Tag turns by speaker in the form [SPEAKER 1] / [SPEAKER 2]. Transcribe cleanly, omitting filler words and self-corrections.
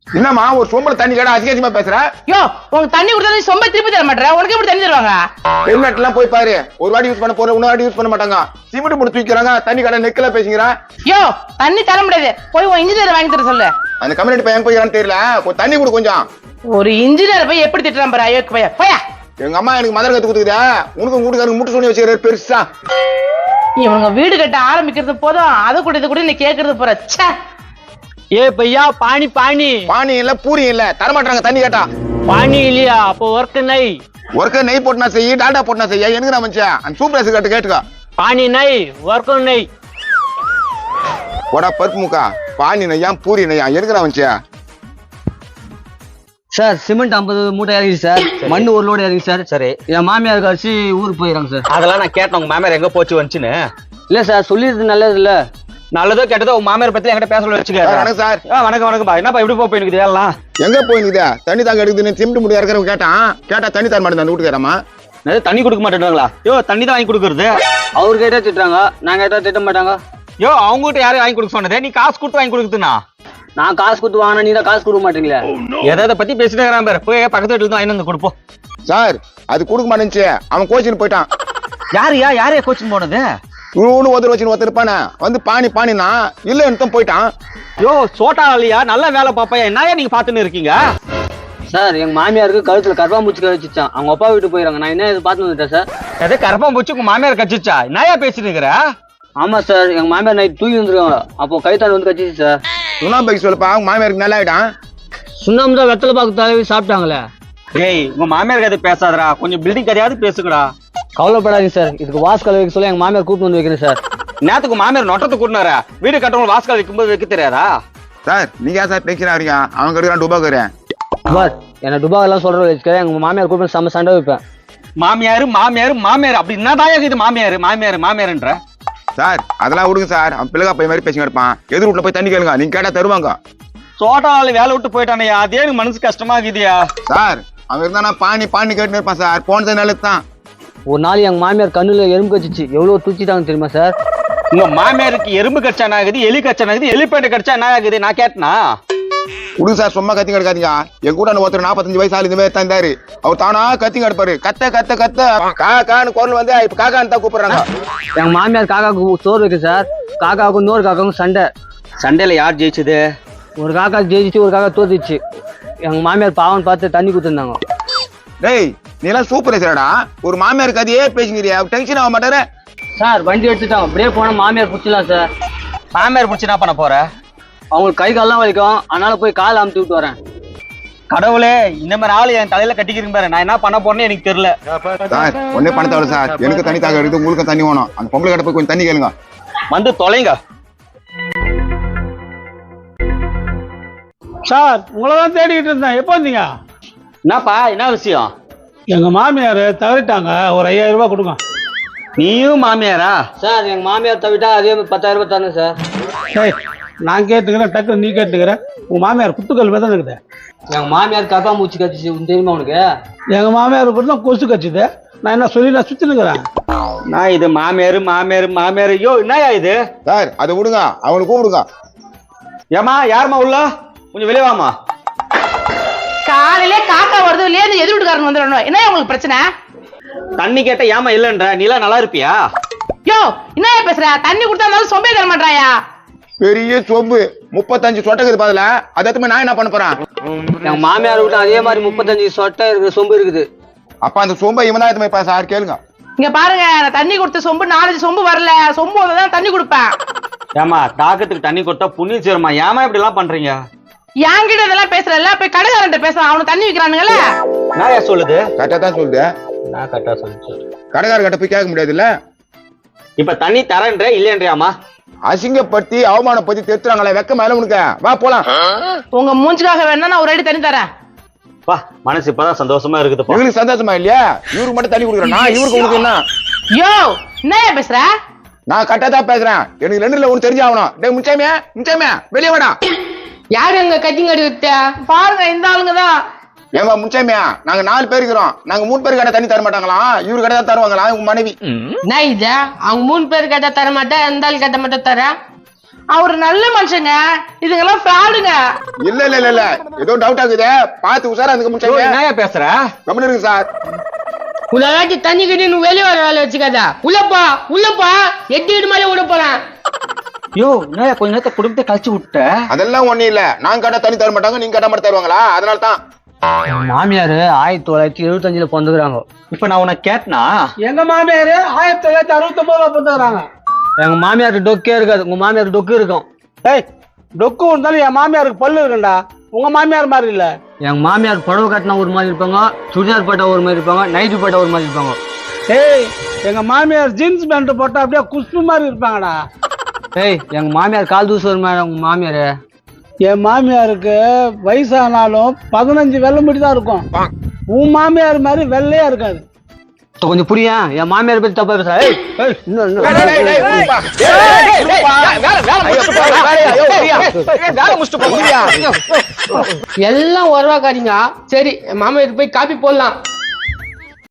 [SPEAKER 1] என்னம்மா ஒரு சொம்பல தண்ணி கேட்டா அதிகமா பேசுற?
[SPEAKER 2] யோ உனக்கு தண்ணி கொடுத்தா சொம்ப திருப்பி தர மாட்டேற, உனக்கு எப்படி தண்ணி தருவாங்க?
[SPEAKER 1] ஹெல்மெட் எல்லாம் போய் பாரு, ஒரு வாட்டி யூஸ் பண்ண போற, இன்னொரு வாட்டி யூஸ் பண்ண மாட்டாங்க. சிமெண்ட் போட்டு தூக்கிறாங்க, தண்ணி கடை நெக்கல பேசுங்கிறான்.
[SPEAKER 2] யோ தண்ணி தர முடியாது, போய் உன் இன்ஜினியர் வாங்கி தர சொல்லு.
[SPEAKER 1] அந்த கம்யூனிட்டி பையன் போய் தெரியல, கொஞ்சம் தண்ணி கொடு கொஞ்சம்.
[SPEAKER 2] ஒரு இன்ஜினியர் போய் எப்படி திட்டுறான் பாரு அயோக்கு பையன். போயா
[SPEAKER 1] எங்க அம்மா எனக்கு மதர் கத்து கொடுத்துக்குதா, உனக்கு வீட்டுக்காரங்க முட்டு சொல்லி வச்சுக்கிறாரு பெருசா.
[SPEAKER 2] இவங்க வீடு கட்ட ஆரம்பிக்கிறது போதும், அதை கூட இது கூட நீ கேக்குறது போற.
[SPEAKER 3] ஏ பையா பானி பானி
[SPEAKER 1] பானி இல்ல பூரி இல்ல தர மாட்டாங்க தண்ணி கேட்டா.
[SPEAKER 3] பானி இல்லையா அப்போ ஒர்க் நை
[SPEAKER 1] ஒர்க்க நெய் போட்டுனா செய்ய, டால்டா போட்டுனா செய்ய, எனக்கு நான் மனுஷன் அந்த சூப்பர் கேட்டு கேட்டுக்கா.
[SPEAKER 3] பானி நை ஒர்க் நை
[SPEAKER 1] போடா பருப்பு முக்கா. பானி நெய்யா பூரி நெய்யா எனக்கு நான் மனுஷன்.
[SPEAKER 4] சார் சிமெண்ட் 50 மூட்டை இறங்கி சார், மண்ணு ஒரு லோடு இறங்கி சார். சரி, என் மாமியார் கழிச்சு ஊருக்கு போயிடறாங்க சார்.
[SPEAKER 3] அதெல்லாம் நான் கேட்டேன் உங்க மாமியார் எங்க போச்சு வந்துச்சுன்னு.
[SPEAKER 4] இல்ல சார் சொல்லிடுறது நல்லது இல்ல.
[SPEAKER 3] நல்லதோ கேட்டதோ உங்க மாமியார் பத்தி என்கிட்ட பேச வச்சுக்க.
[SPEAKER 1] வணக்கம் சார்.
[SPEAKER 3] வணக்கம் வணக்கம் பா. என்னப்பா இப்படி போய் எனக்கு எல்லாம்
[SPEAKER 1] எங்க போயிருக்குதா? தண்ணி தாங்க எடுக்குதுன்னு சிமெண்ட் முடியா இருக்கிறவங்க கேட்டா தண்ணி தர மாட்டேன் அந்த வீட்டுக்காரமா.
[SPEAKER 3] தண்ணி கொடுக்க மாட்டேன்றாங்களா? யோ தண்ணி தான் வாங்கி கொடுக்கறது.
[SPEAKER 4] அவரு கேட்டா திட்டுறாங்க, நாங்க கேட்டா திட்ட மாட்டாங்க.
[SPEAKER 3] யோ அவங்க கிட்ட யாரையும் வாங்கி கொடுக்க சொன்னதே, நீ காசு கொடுத்து வாங்கி கொடுக்குதுண்ணா.
[SPEAKER 4] நான் காசு கொடுத்து வாங்கினா நீ தான் காசு கொடுக்க மாட்டீங்களா?
[SPEAKER 3] எதை பத்தி பேசிட்டு இருக்கிறான் பேர், போய் பக்கத்து வீட்டுல தான் வாங்கி கொடுப்போம்.
[SPEAKER 1] சார் அது கொடுக்க மாட்டேன்ச்சு, அவன் கோச்சின்னு போயிட்டான்.
[SPEAKER 3] யாரையா கோச்சிங் போனது?
[SPEAKER 1] இவனு ஒருத்தர் வச்சுன்னு ஒருத்தர் இருப்பானே வந்து பானி பானினா இல்லன்னு போயிட்டான்.
[SPEAKER 3] யோ சோட்டா இல்லையா, நல்ல வேலை பாப்பா, என்னையா நீங்க பாத்துன்னு இருக்கீங்க?
[SPEAKER 4] சார் எங்க மாமியாருக்கு கழுத்துல கருப்பாம்பூச்சி கழிச்சிச்சான், அவங்க அப்பா வீட்டு போயிடறாங்க. நான் என்ன இது பார்த்து வந்துட்டேன் சார்.
[SPEAKER 3] எதை கரப்பம் போச்சு உங்க மாமியார் கச்சிச்சா? என்னையா பேசிட்டு இருக்கிற?
[SPEAKER 4] ஆமா சார், எங்க மாமியார் நைட் தூக்கி வந்துருக்காங்க, அப்போ கைத்தாண்டு வந்து கச்சிச்சு சார்.
[SPEAKER 1] சுண்ணாம்பு சொல்லப்பா, அவங்க மாமியாருக்கு நல்லா ஆயிட்டான்.
[SPEAKER 4] சுண்ணாம்பு தான் வெத்தலை பாக்கு தடவி சாப்பிட்டாங்களே.
[SPEAKER 3] ஏய் உங்க மாமியார் கதை பேசாதடா, கொஞ்சம் பில்டிங் கதையாவது பேசுங்கடா.
[SPEAKER 4] கவலைப்படாதீங்க சார், இதுக்கு வாஸ்கல் வைக்க சொல்லி எங்க மாமியார் கூப்பிட்டு வந்து வைக்கிறேன் சார்.
[SPEAKER 3] நேத்துக்கு மாமியார் நொட்டத்தை கூட்டினாரா? வீடு கட்டவங்க வாஸ்கல் வைக்கும்போது வைக்க தெரியாதா?
[SPEAKER 1] சார் நீங்க சார் டென்ஷன் ஆகிறீங்க, அவங்க கடுக்கிறான் டுபாக்குறேன்.
[SPEAKER 4] பார் என்ன டுபா எல்லாம் சொல்ற வச்சுக்கிறேன், எங்க மாமியார் கூப்பிட்டு செம்ம சண்டை வைப்பேன்.
[SPEAKER 3] மாமியாரு மாமியாரு மாமியார் அப்படி என்னதான் இது மாமியாரு மாமியாரு மாமியாருன்ற?
[SPEAKER 1] சார் அதெல்லாம் விடுங்க சார், அவன் பிள்ளைகா போய் மாதிரி பேசிங்க இருப்பான். எதிர் வீட்டுல போய் தண்ணி கேளுங்க, நீங்க கேட்டா தருவாங்க.
[SPEAKER 3] சோட்டால வேலை விட்டு போயிட்டானையா, அதே எனக்கு மனசு கஷ்டமா இருக்குதியா.
[SPEAKER 1] சார் அவன் இருந்தானா பானி பானி கேட்டுன்னு இருப்பான் சார், போனது நல்லது தான்.
[SPEAKER 4] ஒரு நாள் எங்க மாமியார் கண்ணுல எறும்பு கச்சிச்சு, எவ்வளவு தூச்சிட்டாங்க தெரியுமா சார்?
[SPEAKER 3] உங்க மாமியாருக்கு எறும்பு கடிச்சா என்ன ஆகுது, எலி கடிச்சா என்ன ஆகுது, எலிப்பேட்டை கடிச்சா என்ன ஆகுது? நான் கேட்டனா?
[SPEAKER 1] விடுங்க சார், சும்மா கத்தி கிடக்காதீங்க. என் கூட ஒருத்தர் 45 வயசு ஆளு இந்த மாதிரி தந்தாரு, அவர் தானா கத்தி கிடப்பாரு. கத்த கத்த கத்த காக்கான்னு குரல் வந்து இப்ப காக்கான்னு தான் கூப்பிடுறாங்க.
[SPEAKER 4] எங்க மாமியார் காக்காவுக்கு சோறு வைக்க சார், காக்காவுக்கும் இன்னொரு காக்காவுக்கும் சண்டை.
[SPEAKER 3] சண்டையில யார் ஜெயிச்சது?
[SPEAKER 4] ஒரு காக்கா ஜெயிச்சு ஒரு காக்கா தோத்துச்சு. எங்க மாமியார் பாவம் பார்த்து தண்ணி கொடுத்துருந்தாங்க.
[SPEAKER 1] டேய் நீ எல்லாம் சூப்பர் சார்டா, ஒரு மாமியார் கதையே பேசுங்கிறியா, டென்ஷன் ஆக மாட்டாரு
[SPEAKER 4] சார். வண்டி எடுத்துட்டாங்க, அப்படியே போனா மாமியார் பிடிச்சிடலாம் சார்.
[SPEAKER 3] மாமியார் பிடிச்சி என்ன பண்ண போற?
[SPEAKER 4] அவங்களுக்கு கை கால்லாம் வலிக்கும், அதனால போய் காலை அமுத்தி விட்டு வரேன்.
[SPEAKER 3] கடவுளே, இந்த மாதிரி ஆளு என் தலையில கட்டிக்கிறீங்க பாரு, நான் என்ன பண்ண போறேன்னு எனக்கு தெரியல.
[SPEAKER 1] சார் ஒன்னே பணத்தை வரும் சார், எனக்கு தண்ணி தாக இருக்குது, உங்களுக்கு தண்ணி வேணும். அந்த பொம்பளை கிட்ட போய் கொஞ்சம் தண்ணி கேளுங்க.
[SPEAKER 3] வந்து தொலைங்க
[SPEAKER 5] சார். உங்களதான் தேடிக்கிட்டு இருந்தேன், எப்போ வந்தீங்க?
[SPEAKER 3] என்னப்பா என்ன விஷயம்?
[SPEAKER 5] எங்க மாமியார் தவறிட்டாங்க, ஒரு 5000 ரூபாய் கொடுங்க.
[SPEAKER 3] நீயும் மாமியாரா?
[SPEAKER 4] சார் எங்க மாமியார் தவிட்டா அதே 10,000 ரூபாய் தரணும் சார்.
[SPEAKER 5] சரி நான் கேட்டுக்கிறேன், டக்குனு நீ கேட்டுக்கிறேன். உங்க மாமியார் குத்துக்கல் தான் இருக்குது.
[SPEAKER 4] எங்க மாமியார் கருப்பாம்பூச்சி கச்சிச்சு, தெரியுமா உனக்கு?
[SPEAKER 5] எங்க மாமியார் கூட தான் கொசு கச்சுது. நான் என்ன சொல்லி நான் சுத்தினுக்கிறேன்.
[SPEAKER 3] நான் இது மாமியாரு மாமியாரு மாமியாரு. யோ என்னயா இது?
[SPEAKER 1] சார் அதை விடுங்க, அவனுக்கு கூப்பிடுங்க.
[SPEAKER 3] ஏமா யாருமா உள்ள, கொஞ்சம் வெளியே வாமா.
[SPEAKER 2] காலையில காக்கா வருது இல்லையா, இந்த எதிர் வீட்டுக்காரங்க வந்துடணும். என்ன உங்களுக்கு பிரச்சனை?
[SPEAKER 3] தண்ணி கேட்ட ஏமா இல்லன்ற, நீ எல்லாம் நல்லா இருப்பியா?
[SPEAKER 2] யோ என்ன பேசுற? தண்ணி கொடுத்தா சொம்பே தர மாட்டாயா?
[SPEAKER 1] பெரிய சொம்பு 35 சொட்டக்குது பதில, அதை நான் என்ன பண்ண போறேன்?
[SPEAKER 4] எங்க மாமியார் விட்டு அதே மாதிரி 35 சொட்டை இருக்குது, சொம்பு இருக்குது.
[SPEAKER 1] அப்ப அந்த சொம்பை இவன் தான் எடுத்து போய் சார் கேளுங்க.
[SPEAKER 2] இங்க பாருங்க, நான் தண்ணி கொடுத்த சொம்பு 4 சொம்பு வரல, சொம்பு தான் தண்ணி கொடுப்பேன்.
[SPEAKER 3] ஏமா தாக்கத்துக்கு தண்ணி கொடுத்தா புண்ணியம் சேருமா, ஏமா இப்படி எல்லாம் பண்றீங்க?
[SPEAKER 2] என்கிட்ட இதெல்லாம் பேசுறல, போய் கடைக்காரன்ட்ட பேசலாம், அவனுக்கு தண்ணி விக்கிறானுங்கல்ல.
[SPEAKER 3] நான் ஏன் சொல்லுது?
[SPEAKER 1] கரெக்டா தான் சொல்லுது.
[SPEAKER 3] நான் கரெக்டா சொல்லிச்சு.
[SPEAKER 1] கடைக்கார கிட்ட போய் கேட்க முடியாது இல்ல.
[SPEAKER 3] இப்ப தண்ணி தரேன்ற இல்லையன்றியாமா?
[SPEAKER 1] அசிங்கப்படுத்தி அவமானப்படுத்தி தெத்துறாங்களே, வெக்க மேல உனக்கு. வா போலாம்.
[SPEAKER 2] உங்க மூஞ்சுக்காக வேணா நான் ஒரு அடி தண்ணி தரேன்.
[SPEAKER 3] வா, மனசு இப்பதான் சந்தோஷமா இருக்குது.
[SPEAKER 1] இவங்களுக்கு சந்தோஷமா இல்லையா? இவருக்கு மட்டும் தண்ணி கொடுக்குறேன் நான், இவருக்கு உனக்கு என்ன?
[SPEAKER 2] யோ என்ன பேசுற?
[SPEAKER 1] நான் கரெக்டா தான் பேசுறேன், எனக்கு 2ல ஒண்ணு தெரிஞ்சாகணும். டேய் முச்சாமியா முச்சாமியா வெளியே வாடா.
[SPEAKER 2] யாரு அங்க கட்டிங்கடி விட்ட? பாருங்க இந்த ஆளுங்க தான்.
[SPEAKER 1] ஏமா முச்சாமியா, நாங்க 4 பேர் இருக்கிறோம், நாங்க 3 பேர் கேட்டா தண்ணி தர மாட்டாங்களா? இவரு கேட்டா தான் தருவாங்களா? உங்க மனைவி
[SPEAKER 2] நான் இது அவங்க 3 பேர் கேட்டா தர மாட்டேன், இந்த ஆள் கேட்ட மட்டும் தர. அவர் நல்ல மனுஷங்க, இதுங்கெல்லாம் ஃப்ராடுங்க.
[SPEAKER 1] இல்ல இல்ல இல்ல இல்ல ஏதோ டவுட் ஆகுது, பார்த்து உஷாரா இருந்துக்க முடியாது.
[SPEAKER 3] என்னயா பேசுற?
[SPEAKER 1] கம்மன் இருக்கு சார்.
[SPEAKER 6] உலகாச்சும் தண்ணி கட்டி நீ வெளியே வர வேலை வச்சுக்காதா. உள்ளப்பா எட்டு வீடு மேலே விட போறேன்.
[SPEAKER 3] யோ என்னயா கொஞ்ச நேரத்தை குடும்பத்தை கழிச்சு விட்ட?
[SPEAKER 1] அதெல்லாம் ஒண்ணும் இல்ல, நான் கேட்டா தண்ணி தர மாட்டாங்க, நீங்க கேட்டா மட்டும் தருவாங்களா? அதனால தான்.
[SPEAKER 4] மாமியார் 1975 பிறந்துக்கிறாங்க.
[SPEAKER 3] இப்ப நான் உனக்கு கேட்டனா?
[SPEAKER 5] எங்க மாமியாரு 1969 பிறந்துக்கிறாங்க.
[SPEAKER 4] எங்க மாமியாருக்கு டொக்கே இருக்காது, உங்க மாமியாருக்கு டொக்கு இருக்கும்.
[SPEAKER 5] ஏய், டொக்கு இருந்தாலும் என் மாமியாருக்கு பல்லு இருக்குண்டா. உங்க மாமியார் மாதிரி இல்ல.
[SPEAKER 4] எங்க மாமியார் புடவை கட்டினா ஒரு மாதிரி இருப்பாங்க, சுடிதார் போட்டா ஒரு மாதிரி இருப்பாங்க, நைட்டு போட்டா ஒரு மாதிரி இருப்பாங்க.
[SPEAKER 5] ஏய், எங்க மாமியார் ஜீன்ஸ் பேண்ட் போட்டா அப்படியே குஷ்பு மாதிரி இருப்பாங்கடா.
[SPEAKER 4] ஏய், எங்க மாமியார் கால் தூசு ஒரு மாதிரி. உங்க மாமியாரு
[SPEAKER 5] என் மாமியாருக்கு வயசானாலும் 15 வெள்ளை முடி தான் இருக்கும். உன் மாமியார் மாதிரி வெள்ளையா இருக்காது.
[SPEAKER 4] கொஞ்சம் புரியும், என் மாமியார் பத்தி தப்பா பேசுறா.
[SPEAKER 6] எல்லாம் உறவாக்காதீங்க. சரி, மாமா போய் காப்பி போடலாம்.